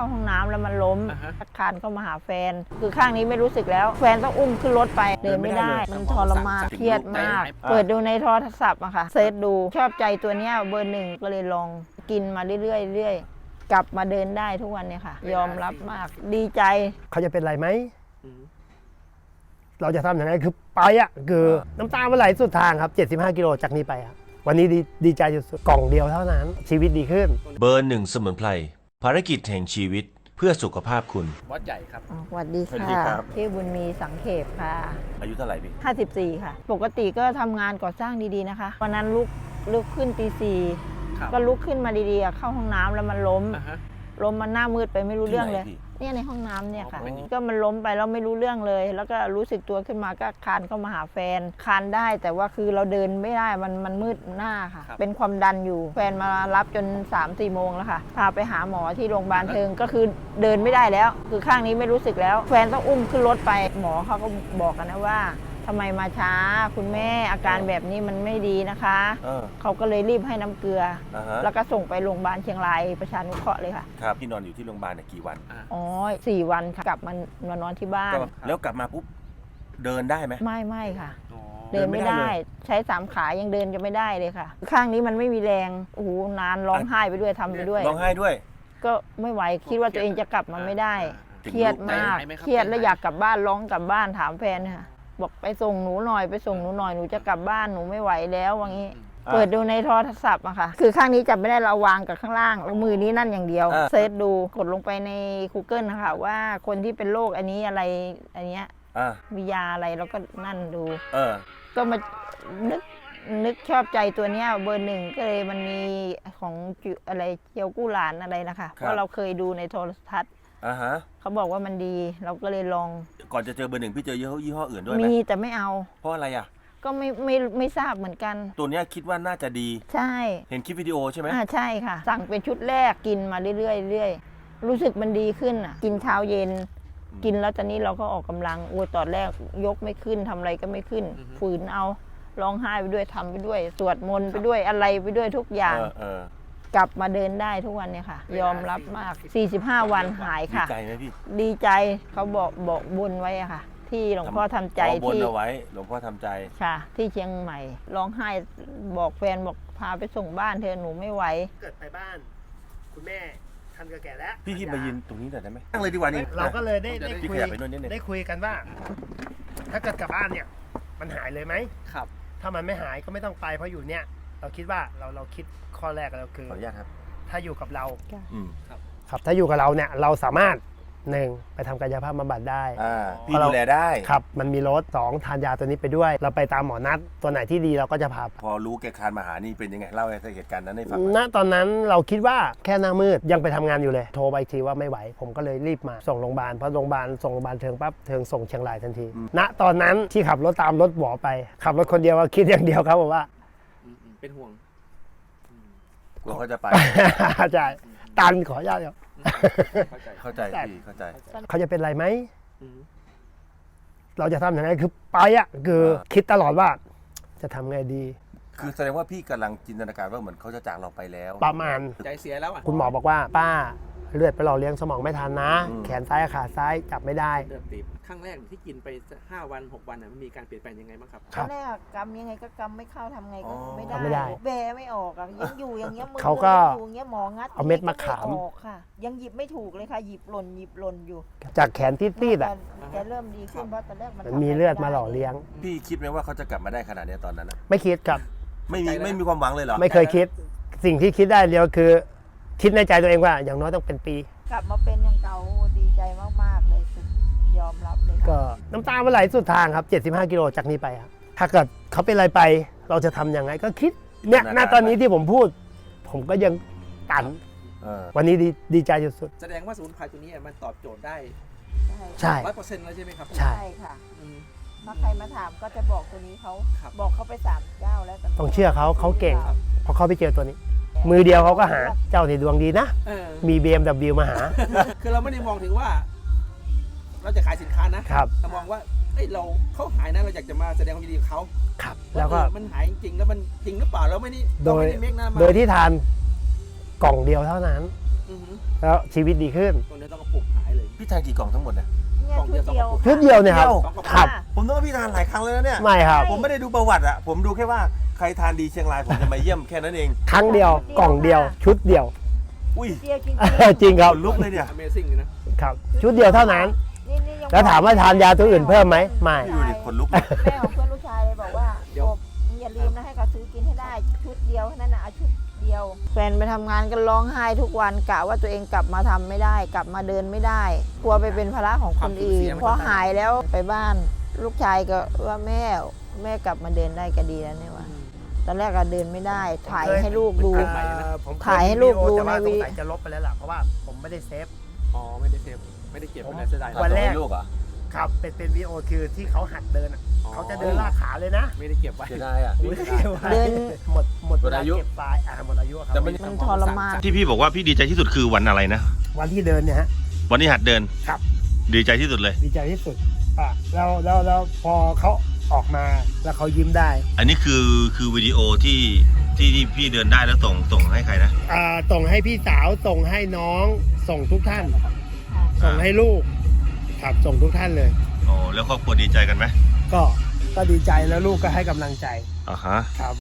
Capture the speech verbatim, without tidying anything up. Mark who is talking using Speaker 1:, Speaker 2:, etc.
Speaker 1: าห้องน้ำแล้วมันล้มคานเข้ามาหาแฟนคือข้างนี้ไม่รู้สึกแล้วแฟนต้องอุ้มขึ้นรถไปเดินไม่ได้มันทรมานเครียดมากเปิดดูในโทรศัพท์อะค่ะเซิร์ชดูชอบใจตัวเนี้ยเบอร์หนึ่งก็เลยลองกินมาเรื่อยๆเรื่อยกลับมาเดินได้ทุกวันเนี่ยค่ะยอมรับมากดีใจ
Speaker 2: เขาจะเป็นไรไหมเราจะทำอย่างไรคือไปอ่ะคือน้ำตามันไหลสุดทางครับเจ็ดสิบห้ากิโลจากนี้ไปครับวันนี้ดีดีใจสุดๆกล่องเดียวเท่านั้นชีวิตดีขึ้น
Speaker 3: เบอร์หนึ่งสมุนไพรภารกิจแห่งชีวิตเพื่อสุขภาพคุณ
Speaker 4: วัดใหญ่ครับ
Speaker 1: สวัสดีค่ะชื่อบุญมีสังเขปค่ะ
Speaker 4: อายุเท่าไหร่พี่
Speaker 1: ห้าสิบสี่ค่ะปกติก็ทำงานก่อสร้างดีๆนะคะวันนั้นลุกลุกขึ้นตีสี่ก็ลุกขึ้นมาดีๆเข้าห้องน้ำแล้วมันล้มล้มมันหน้ามืดไปไม่รู้เรื่องเลยเนี่ยในห้องน้ำเนี่ยค่ะก็มันล้มไปแล้วไม่รู้เรื่องเลยแล้วก็รู้สึกตัวขึ้นมาก็คานเข้ามาหาแฟนคานได้แต่ว่าคือเราเดินไม่ได้มันมันมืดหน้าค่ะเป็นความดันอยู่แฟนมารับจน สามสี่ โมงแล้วค่ะพาไปหาหมอที่โรงพยาบาลเทิงก็คือเดินไม่ได้แล้วคือข้างนี้ไม่รู้สึกแล้วแฟนต้องอุ้มขึ้นรถไปหมอเขาก็บอกกันนะว่าทำไมมาช้าคุณแม่อาการแบบนี้มันไม่ดีนะคะเออเขาก็เลยรีบให้น้ำเกลืออแล้วก็ส่งไปโรงพยาบาลเชียงรายประชานุเคราะห์เลยค่ะ
Speaker 4: ครับพี่นอนอยู่ที่โรงพยาบาลเนี่ยกี่วัน
Speaker 1: อ๋อสี่วันค่ะกลับมานอนนอนที่บ้าน
Speaker 4: แล้วกลับมาปุ๊บเดินได้ไหม
Speaker 1: ไม่ไม่ค่ะเดินไม่ได้ใช้สามขายังเดินจะไม่ได้เลยค่ะข้างนี้มันไม่มีแรงโอ้โหนานร้องไห้ไปด้วยทำไปด้วย
Speaker 4: ร้องไห้ด้วย
Speaker 1: ก็ไม่ไหวคิดว่าตัวเองจะกลับมาไม่ได้เครียดมากเครียดแล้วอยากกลับบ้านร้องกลับบ้านถามแฟนค่ะบอกไปส่งหนูหน่อยไปส่งหนูหน่อยหนูจะกลับบ้านหนูไม่ไหวแล้วว่างี้เปิดดูในโทรศัพท์อะค่ะคือข้างนี้จับไม่ได้เราวางกับข้างล่างแล้วมือนี้นั่นอย่างเดียวเซิร์ชดูกดลงไปใน Google นะคะว่าคนที่เป็นโรคอันนี้อะไรอันเนี้ยมียาอะไรแล้วก็นั่นดูก็มานึกนึกชอบใจตัวเนี้ยเบอร์หนึ่งก็เลยมันมีของอะไรเจียวกู้หลานอะไรนะคะเพราะเราเคยดูในโทรทัศน์
Speaker 4: อ่าฮะ
Speaker 1: เขาบอกว่ามันดีเราก็เลยลอง
Speaker 4: ก่อนจะเจอเบอร์หนึ่งพี่เจอยี่ห้ออื่นด้วยไหม
Speaker 1: มีแต่ไม่เอา
Speaker 4: เพราะอะไรอ่ะ
Speaker 1: ก็ไม่ไม่ไม่ทราบเหมือนกัน
Speaker 4: ตัวเนี้ยคิดว่าน่าจะดี
Speaker 1: ใช่
Speaker 4: เห็นคลิปวิดีโอใช่ไหม
Speaker 1: อ่าใช่ค่ะสั่งเป็นชุดแรกกินมาเรื่อยๆเรื่อยรู้สึกมันดีขึ้นอ่ะกินเช้าเย็นกินแล้วตอนนี้เราก็ออกกำลังโอ้ตอนแรกยกไม่ขึ้นทำอะไรก็ไม่ขึ้นฝืนเอาร้องไห้ไปด้วยทำไปด้วยสวดมนต์ไปด้วยอะไรไปด้วยทุกอย่างกลับมาเดินได้ทุกวันเนี่ยค่ะยอมรับมากสี่สิบห้าวันหายค่ะ
Speaker 4: ดีใจไหมพี่
Speaker 1: ดีใจเขาบอกบอกบุญไว้อะค่ะที่หลวงพ่อทำใจ
Speaker 4: ที่บนเอาไว้หลวงพ่อทำใจ
Speaker 1: ค่ะที่เชียงใหม่ร้องไห้บอกแฟนบอกพาไปส่งบ้านเธอหนูไม่ไหว
Speaker 2: เกิดไปบ้านคุณแม่ท่านก็แก่แล้ว
Speaker 4: พี่คิดมายืนตรงนี้หน่อยได้ไหมนั่งเลยดีกว่านี่
Speaker 2: เราก็เลยได้ได้คุยได้คุยกันว่าถ้าเกิดกลับบ้านเนี่ยมันหายเลยไหม
Speaker 4: ครับ
Speaker 2: ถ้ามันไม่หายก็ไม่ต้องไปเพราะอยู่เนี่ยเราคิดว่าเราเราคิดข้อแรกเราคือ
Speaker 4: ขออนุญาตครับ
Speaker 2: ถ้าอยู่กับเรา
Speaker 4: ครับ
Speaker 2: ครับถ้าอยู่กับเราเนี่ยเราสามารถหนึ่งไปทำกายภาพบำบัดได้
Speaker 4: พี่ดูแลได้
Speaker 2: ครับมันมีรถสองทานยาตัวนี้ไปด้วยเราไปตามหมอนัดตัวไหนที่ดีเราก็จะพา
Speaker 4: พอรู้แกคานมาหานี่เป็นยังไงเล่าให้เหตุการณ์นั้นให้ฟัง
Speaker 2: ณตอนนั้นเราคิดว่าแค่หน้ามืดยังไปทำงานอยู่เลยโทรไปทีว่าไม่ไหวผมก็เลยรีบมาส่งโรงพยาบาลพอโรงพยาบาลส่งโรงพยาบาลเทิงปั๊บเทิงส่งเชียงรายทันทีณตอนนั้นที่ขับรถตามรถหมอไปขับรถคนเดียวคิดอย่างเดียวครับผมว่า
Speaker 4: เป็นห่วงกลัวเขาจะไป
Speaker 2: ใช่ตันขออนุญาตครับ
Speaker 4: เข้าใจพี่เข้าใจ
Speaker 2: เขาจะเป็นไรไหมเราจะทำอย่างไรคือไปอ่ะคือคิดตลอดว่าจะทำไงดี
Speaker 4: คือแสดงว่าพี่กำลังจินตนาการว่าเหมือนเขาจะจากเราไปแล้ว
Speaker 2: ประมาณ
Speaker 4: ใจเสียแล้วอ่ะ
Speaker 2: คุณหมอบอกว่าป้าเลือดไปหล่อเลี้ยงสมองไม่ทันนะแขนซ้ายขาซ้ายจับไม่ได้
Speaker 5: เลือดตีบครั้งแรกที่กินไปห้าวันหกวันมันมีการเปลี่ยนแปลงยังไงบ้างครับ
Speaker 1: ครั้งแรกกำยังไงก็กำไม่เข้าทำไงก็ไม่ได้เบไม่ออกอ่ะยังอยู่อย่างเงี้ยมือ
Speaker 2: เขาก็
Speaker 1: อย่างเงี้ยหมองัด
Speaker 2: เอาเม็ดมะขาม
Speaker 1: ออกค่ะยังหยิบไม่ถูกเลยค่ะหยิบหล่นหยิบหล่นอยู่
Speaker 2: จากแขนตีดๆอ่ะ
Speaker 1: แกเริ่มดีขึ้นเพราะตอนแรก
Speaker 2: มันมีเลือดมาหล่อเลี้ยง
Speaker 4: พี่คิดไหมว่าเขาจะกลับมาได้ขนาดนี้ตอนนั้น
Speaker 2: ไม่คิดครับ
Speaker 4: ไม่มีไม่มีความหวังเลยเหรอ
Speaker 2: ไม่เคยคิดสิ่งที่คิดได้เดียวคือคิดในใจตัวเองว่าอย่างน้อยต้องเป็นปี
Speaker 1: กลับมาเป็นอย่างเก่าดีใจมากๆเลยยอมรับเลย
Speaker 2: ก็น้ำตามันไหลสุดทางครับเจ็ดสิบห้ากิโลจากนี้ไปครับถ้าเกิดเขาเป็นอะไรไปเราจะทำยังไงก็คิดเนี่ยณตอนนี้ที่ผมพูดผมก็ยังตันวันนี้ดีดีใจสุด
Speaker 5: แสดงว่าสมุนไพรตัวนี้มันตอบโจทย์ได้
Speaker 2: ใช่
Speaker 5: ร้อยเปอร์เซ็นต์แล้วใช่ไหมครับ
Speaker 2: ใช่
Speaker 1: ค่ะถ้าใครมาถามก็จะบอกตัวนี้เขาบอกเขาไปสามเจ้าแล้ว
Speaker 2: ต้องเชื่อเขาเขาเก่งเพราะเขาไปเจอตัวนี้มือเดียวเขาก็หาเจ้าที่ดวงดีนะมี บี เอ็ม ดับเบิลยู มาหา
Speaker 5: คือเราไม่ได้มองถึงว่าเราจะขายสินค้านะครับเรามองว่าเอ้ยเราเขาหายนะเราอยากจะมาแสดงความยินดีกับเขา
Speaker 2: ครับแล้วก็
Speaker 5: มันหายจริงแล้วมันจริงหรือเปล่าเราไม่ได้
Speaker 2: โดยโดยที่ทานกล่องเดียวเท่านั้น
Speaker 5: อือหือ
Speaker 2: แล้วชีวิตดีขึ้น
Speaker 5: ตรงนี้ต้องกระปุกหายเลย
Speaker 3: พี่ทานกี่กล่องทั้งหมดนะ
Speaker 1: เนี่ย
Speaker 5: กล่องเดี
Speaker 1: ชุ
Speaker 5: ยว
Speaker 1: ดเดียว
Speaker 2: ชุดเดียวเนี่ยครับ
Speaker 5: สองกระปุก
Speaker 2: ครับ
Speaker 3: ผมต้องว่าพี่ทานหลายครั้งแล้วนะเนี่ย
Speaker 2: ไม่ครับ
Speaker 3: ผมไม่ได้ดูประวัติอะผมดูแค่ว่าใครทานดีเชียงรายผมจะมาเยี่ยมแค่นั้นเอง
Speaker 2: ครั้งเดียวกล่องเดียว ชุดเดียว
Speaker 3: อุ้ย
Speaker 1: เดียวจริง
Speaker 2: จริงครับ
Speaker 3: ขนลุกเลยเนี่ย
Speaker 5: Amazing เลยนะครับ
Speaker 2: ชุดเดียวเท่านั้น
Speaker 1: ๆนี่นี่ยัง
Speaker 2: แล้วถามว่าทานยาตัวอื่นเพิ่มไหมไม่
Speaker 3: ดูดิขนลุกเลย
Speaker 1: แม่ของเพื่อนลูกชายเลยบอกว่าโอบมึงอย่าลืมนะให้เขาซื้อกินให้ได้ชุดเดียวแค่นั้นนะเอาชุดเดียวแฟนไปทำงานกันร้องไห้ทุกวันกะว่าตัวเองกลับมาทำไม่ได้ กลับมาเดินไม่ได้ กลัวไปเป็นภาระของคนอื่นพอหายแล้วไปบ้านลูกชายก็ว่าแม่แม่กลับมาเดินได้ก็ดีแล้วเนี่ยว่าตอนแรกก็เดินไม่ได้ ถ่ายให้ลูกดู
Speaker 2: เอ่อผมเค
Speaker 1: ถ่ายให้ลูกดู
Speaker 2: แต่ว่า
Speaker 1: ในวิ
Speaker 2: สงสัยจะลบไปแล้วล่ะเพราะว่าผมไม่ได้เซฟ
Speaker 5: อ๋อไม่ได้เซฟไม่ได้เก็บ
Speaker 2: ผม
Speaker 5: ไว้ในเสียดาย
Speaker 2: วันแรก
Speaker 3: ลูกเหรอ
Speaker 2: ครับเป็นเป็นวีดีโอคือที่เขาหัดเดินอะ
Speaker 5: อ๋อ
Speaker 2: เขาจะเดินลากขาเลยนะ
Speaker 5: ไม่ได้เก็บไว้
Speaker 3: เสียดายอะ
Speaker 2: ไม่ได้เก็บไว้
Speaker 1: เดิน
Speaker 2: หมดหมด
Speaker 3: หมดอายุ
Speaker 2: เวลเก็บปลายอ่าหมดอายุครับ
Speaker 3: แต่ไม่
Speaker 1: มันทรมาน
Speaker 3: ที่พี่บอกว่าพี่ดีใจที่สุดคือวันอะไรนะ
Speaker 2: วันที่เดินเนี่ยฮะ
Speaker 3: วันที่หัดเดิน
Speaker 2: ครับ
Speaker 3: ดีใจที่สุดเลย
Speaker 2: ดีใจที่สุดอ่ะแล้วแล้วแล้วพอเขาออกมาแล้วเขายิ้มได้
Speaker 3: อันนี้คือคือวิดีโอที่ที่ที่พี่เดินได้แล้วส่งส่งให้ใครนะ
Speaker 2: อ่าส่งให้พี่สาวส่งให้น้องส่งทุกท่าน ส่งให้ลูกครับส่งทุกท่านเลย
Speaker 3: โอ้แล้วครอบครัวดีใจกันไหม
Speaker 2: ก็ก็ดีใจแล้วลูกก็ให้กำลังใจ
Speaker 3: อ่าฮะ
Speaker 2: ครับ